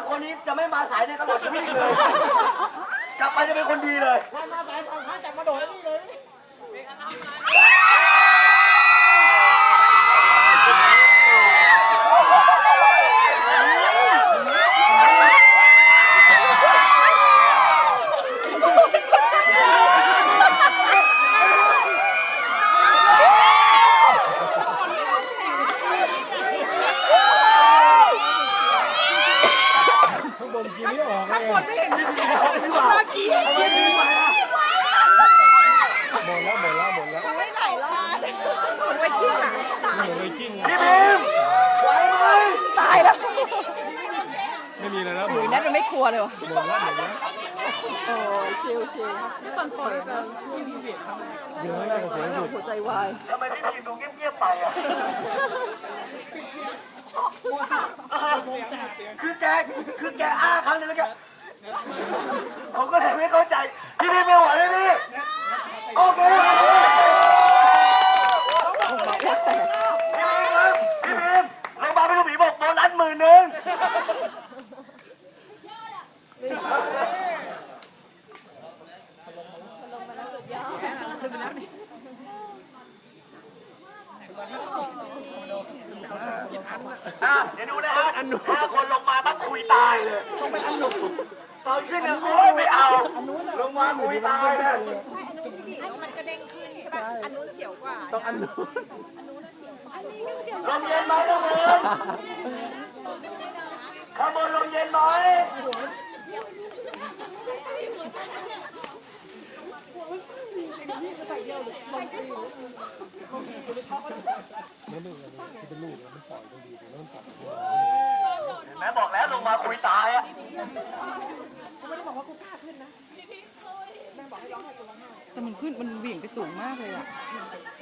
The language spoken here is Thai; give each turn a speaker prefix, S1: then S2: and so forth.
S1: 3 คนนี้จะไม่มาสายในตลอดชีวิตเลย กลับไปจะเป็นคนดีเลย
S2: ถ้ามาสายทางข้าจับมาโดดนี่เลยข้างบนไม่เห็นมีสีทองหรือเปล่ากี้ดีกว่าหมดแล้ว
S3: ไม่ไหลรอดไวกิ้งอ่ะ
S2: หมดเลยกิ้ง
S1: พี่บีมไหวไหม
S3: ตายแล้ว
S2: ไม่มีแล้ว
S3: หรือนั่นมันไม่กลัวเลยวะ
S2: หมดแล้ว
S3: โอ้ยชิลไม่ตอนปล่อยจะช่วยดีเวียดทำไมเยอะมากเสียงสุดหัวใจวาย
S1: ทำไมพี่บีมดูเงียบๆไปอ่ะคือแกอ้าครั้งนึงแล้วแกผมก็เลยไม่เข้าใจพี่บีมไม่ไหวเลยพี่โอเคพี่บีมโรงพยาบาลพี่ลูกหมีบอกโบนัส10,000เดี๋ยวดูนะฮะ5 คนลงมาปั๊บคุยตายเลยต้องไปอันหนุตอนขึ้นเนี่ยโอ้ยไม่เอาลงมาคุยตายเลย
S4: ใช่อันนู้นดิแล้วมันกระเด้งขึ้นใช่ป่ะ อันนู้นเสียวกว่า
S2: ต้องอันนู้น
S4: อันนู้นน่ะเสียวกว่า อันนี้เดี๋ยว
S1: ลมเย็นไหมลมเย็นข้างบนลมเย็นไหมแม่บอกแล้วลงมาคุยตายอ่ะ
S3: แต่มันขึ้นมันเหวี่ยงไปสูงมากเลยอ่ะ